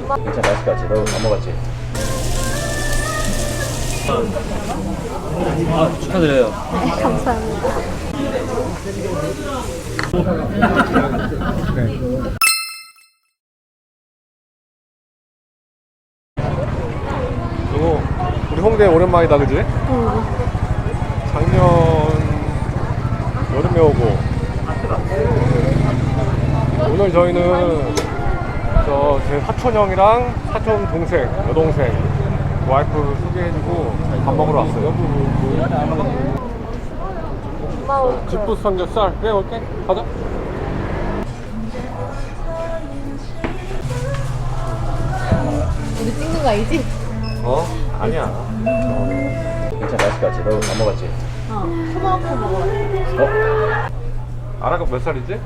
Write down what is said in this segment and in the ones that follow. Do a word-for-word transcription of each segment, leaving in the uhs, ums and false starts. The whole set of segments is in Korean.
괜찮아, 맛있을 것 같지? 너 안 먹었지? 아, 축하드려요. 네, 감사합니다. 그리고 우리 홍대 오랜만이다, 그지? 응. 작년 여름에 오고 오늘 저희는 저 제 사촌 형이랑 사촌 동생, 여동생 와이프 소개해주고 밥 먹으러 왔어요. 고마워. 집부 삼겹살 그래 올게. 가자. 우리 찍는 거 알지? 어? 아니야. 괜찮아, 맛있을 것 같지? 너 안 먹었지? 어. 토마토 먹어. 어? 아라가 몇 살이지?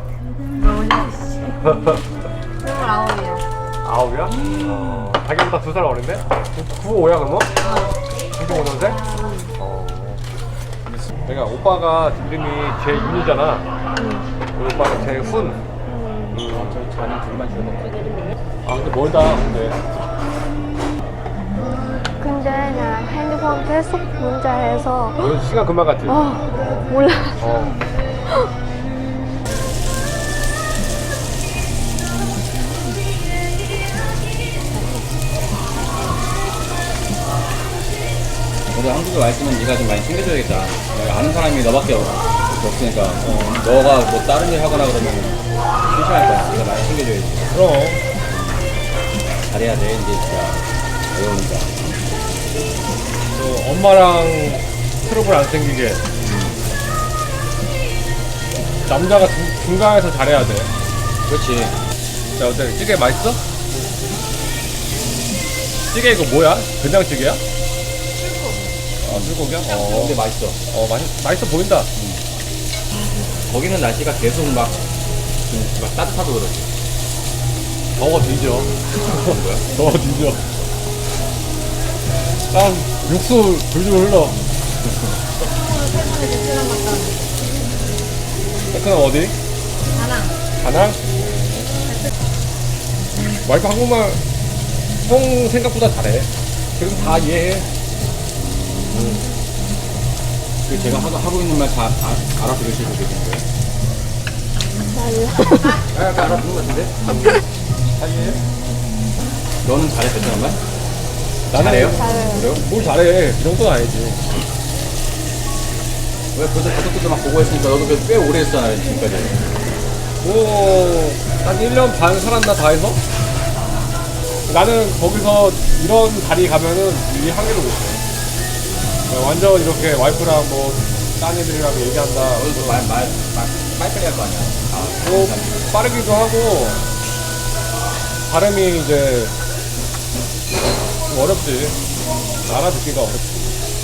스물아홉이야. 아홉이야? 어. 자기보다 두 살 어린데? 구십오야 그러면? 구십오 년생? 어. 내가 오빠가 이름이 재윤이잖아. 우리 오빠는 재훈. 음. 저희 자는 둘만 주는 아 근데 멀다 근데. 근데 나 핸드폰 계속 문자해서 오늘 시간 금방 갔지? 어 몰라. 어. 너도 한국에 와 있으면 네가 좀 많이 챙겨줘야겠다. 내가 아는 사람이 너밖에 없, 없으니까 어, 너가 뭐 다른 일 하거나 그러면 심심할 거야. 네가 많이 챙겨줘야지. 그럼. 잘해야 돼 이제 진짜 어려우니까. 또 엄마랑 트러블 안 생기게. 남자가 중, 중간에서 잘해야 돼. 그렇지. 자 어때? 찌개 맛있어? 찌개 이거 뭐야? 된장찌개야? 아, 불고기야? 어. 근데 맛있어. 어, 맛있, 맛있어 보인다. 거기는 날씨가 계속 막, 좀, 막 따뜻하고 그러지. 더워 뒤져. 그런 거야? 더워 뒤져. 땀, 육수 줄줄 흘러. 테크는 어디? 나랑. 다낭? 와이프 한국말 형 생각보다 잘해. 그래서 다 이해해. 그 제가 하고, 하고 있는 말 다 알아들으시고 계신 거예요? 몰라. 아, 약간 알아듣는 것 같은데? 다 이해해? 너는 잘해, 베트남 말? 나는 잘해요? 잘해요. 그래요? 뭘 잘해. 이 정도는 아니지. 왜 벌써 가족들도 막 보고 했으니까 너도 꽤 오래 했잖아, 지금까지. 뭐, 한 일 년 반 살았나 다 해서? 나는 거기서 이런 자리 가면은 이 한계를 못 해. 완전 이렇게 와이프랑 뭐, 딴 애들이랑 얘기한다. 너도 말, 말, 말, 빨리빨리 할 거 아니야. 아, 뭐, 빠르기도 하고, 발음이 이제, 좀 어렵지. 알아듣기가 어렵지.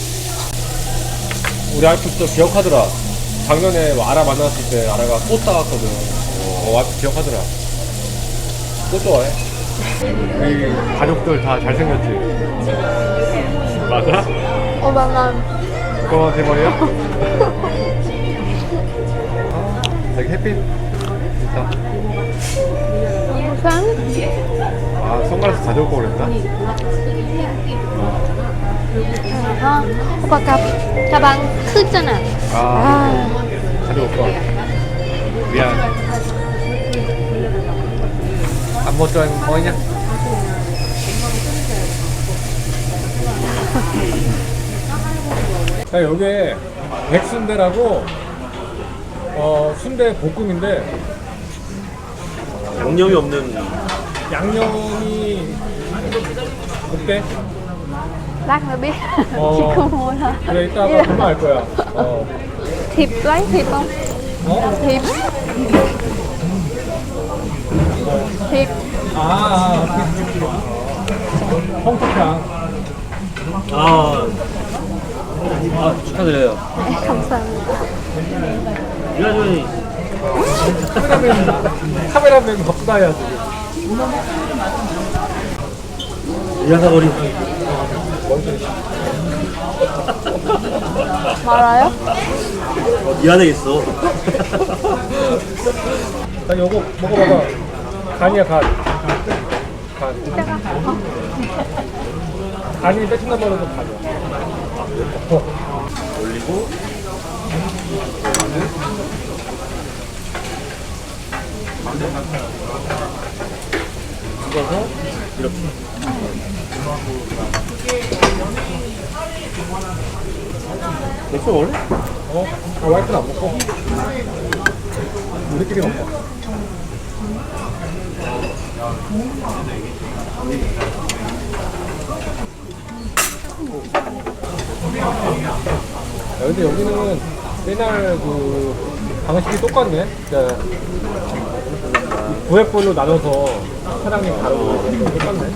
우리 와이프 또 기억하더라. 작년에 아라 만났을 때 아라가 꽃 따왔거든. 어, 와이프 기억하더라. 꽃 좋아해. 우리 가족들 다 잘생겼지? 맞아? 어, 나난 그거만 대머리야? 아, 되게 햇빛 좋다. 산? 아, 선글라스 가져올 걸 그랬다. 아, 오빠 가, 가방 크잖아. 아, 아, 가져올 걸. 미안. 안 먹자, 뭐냐? 자, 여기에 백순대라고 어, 순대 볶음인데 양념이 없는 양념이 어때? lát nữa biết. Ờ. Chị không mua thôi. 그래 이따가 금방 알 거야. 어. Thịt lấy thịt không? 어? Thịt. Thịt. 아, 아, 홍초향. 아, 아 축하드려요. 네, 감사합니다. 유아준이 카메라맨, 카메라맨 겁나야 지 이하사거리 말아요? 미안해 있어. 나 요거 먹어봐봐. 간이야 간. 간. 이따가. 어. 간이 베트남어로도 간이야. 어. 올리고 찍어서 이렇게. 맥주 먹을래? 어? 아, 와이프는 안 먹고? 우리끼리 먹자. 야, 근데 여기는 옛날 그 방식이 똑같네. 그러니까 구획별로 나눠서 사장님 다루고 똑같네.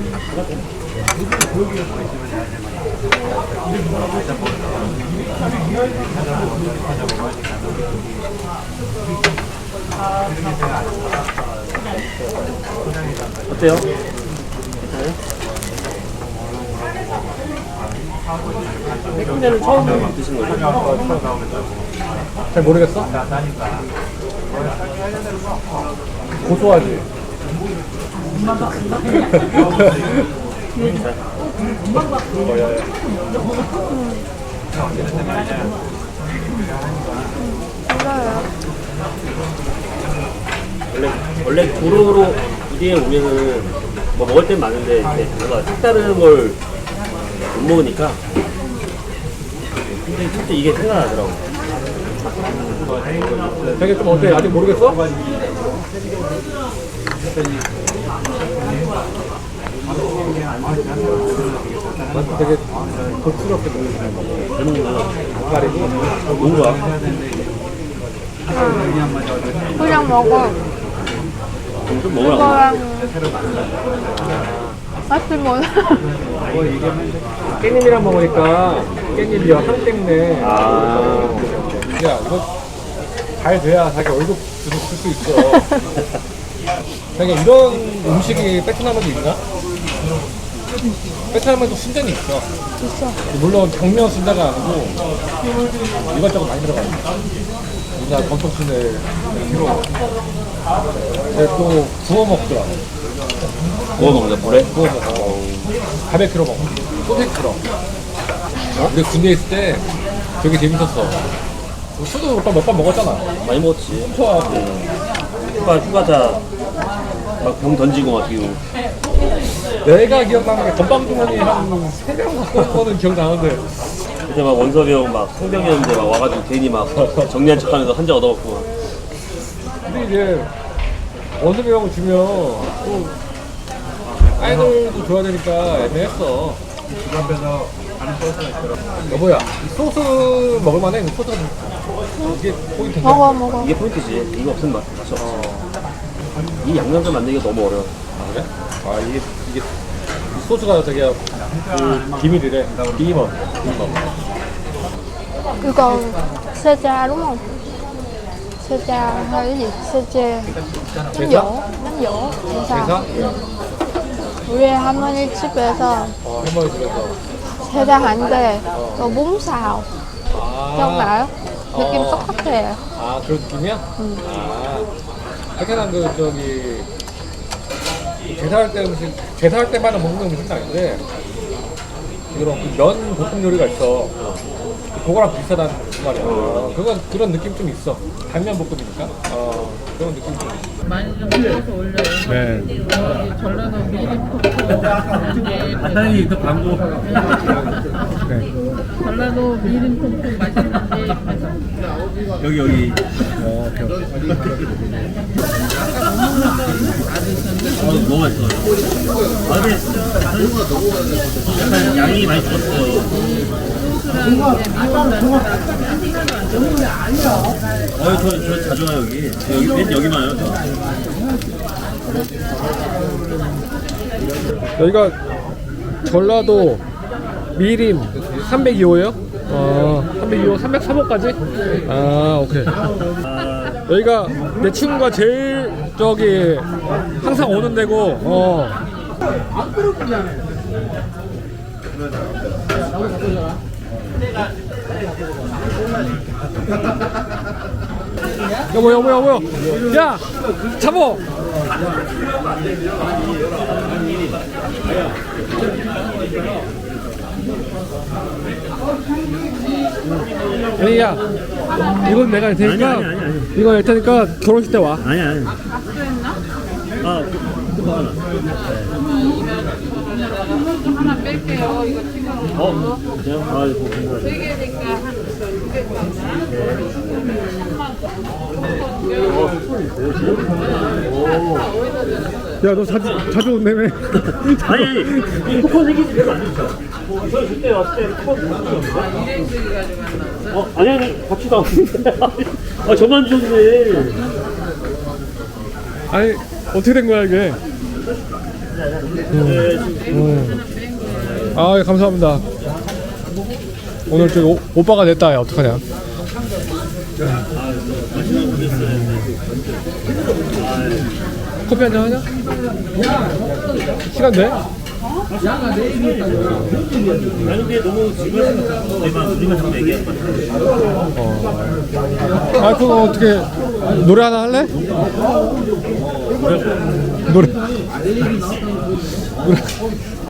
어때요? 괜찮아요? 맥주는 처음 드시는 거예요? 잘 모르겠어? 고소하지? 어, 야, 야. 몰라요. 원래 원래 도로로 이리에 오면은 뭐 먹을 땐 많은데 이제 뭔가 색다른 걸 못 먹으니까 근데 진짜 이게 생각나더라고. 되게 좀 어때? 아직 모르겠어? 되게 고추스럽게 먹는 거. 그런구나. 가리고 뭔가 그냥 먹어. 좀 먹으라고. 이거랑 맛을 몰라. 깻잎이랑 먹으니까 깻잎이야 향 때문에. 아. 야 이거 잘 돼야 자기 월급 계속 쓸 수 있어. 그냥 이런 음식이 베트남에도 있나? 베트남에도 순전히 있어. 있어. 물론 경면 순자가 아니고 이것저것 많이 들어가요. 우리나라 전통순대 필요. 근데 또 구워 먹더라. 구워 먹는다 불에? 구워 먹어. 바베큐로 먹어. 소세트로. 우리 군대에 있을 때 되게 재밌었어. 술도 몇 번 몇 번 먹었잖아. 많이 먹었지. 좋아하고. 휴가 휴가자 막 병 던지고 막 뛰고. 내가 기억나는 게 건방주머니 한 세 명 갖고 온 거는 기억나는데. 그때 막 원섭이 형 막 성병이었는데 막 와가지고 괜히 막 정리한 척하면서 한 잔 얻어먹고. 근데 이제 원섭이 형을 주면 또 아이돌도 줘야 되니까 애매했어. 여보야, 이 소스 먹을만해? 이 소스 이게 포인트인데? 먹어, 먹어. 이게 포인트지. 이거 없으면 맛 맛이 없어. 이 양념장 만들기가 너무 어려워. 아, 그래? 아, 이게, 이게 이 소스가 되게 그 비밀이래. 비밀. 비밀. 이거 세자 đúng không? 세자 hay cái gì? 세제. 제사? 요 남요. 제사? 제사. 우리 할머니 집에서 어, 할머니 집에서. 세자 한대 또 몸사오. 아, 기억나요? 느낌 어. 똑같아요. 아, 그런 느낌이야? 응. 아, 베트남 그, 저기, 제사할 때 음식, 제사할 때마다 먹는 음식은 아닌데, 이런 그 면 볶음 요리가 있어. 그거랑 비슷하단 말이야. 어, 그건 그런 느낌 좀 있어. 당면 볶음이니까. 어, 그런 느낌 좀 있어. 많이 좀 찍어서 올려요. 네. 여기 전라도 미림포크 간단히 또 광고. 네. 전라도 미림포크 맛있는데 여기 여기. 어, 오케이, 오케이. 어, 너무 맛있어. 아 근데 약간 양이 많이 줄었어요. 어, 저, 저 자주 와요, 여기. 여기, 맨 여기만 와요. 여기가 전라도 미림 삼백이 호예요? 어, 삼백이 호, 삼백삼 호까지? 아, 오케이. 여기가 내 친구가 제일 저기 항상 오는 데고, 어. 여보, 여보, 여보, 야, 잡어. 아니 야 이건 내가 할 테니까 아니, 아니, 아니, 아니. 이거 할 테니까 결혼식 때 와. 아니 아니. 악수했나? 아, 그, 그 하나. 하나 뺄게요. 이거 찍어서. 어, 진짜요? 아, 이거 괜찮아요. 세 개니까 한두개 야 너 자주 자주 온다며. 아니, 아니, 쿠폰 생기지 별로 안 좋죠. 저 그때 왔을 때 쿠폰 못 주셨는데? 일행들이 가지고 안 나왔어. 어, 아니, 아니, 같이 나왔는데. 아, 저만 주셨네. 아니 어떻게 된 거야 이게? 네, 지금. 아 예, 감사합니다. 오늘 저기 오, 오빠가 냈다. 야 어떡하냐? 커피 한잔 하냐? 시간 돼? 아니, 근데 너무 지금 내가 우리가 자꾸 얘기하는 거 아 그거 어떻게 노래 하나 할래? 노래 노래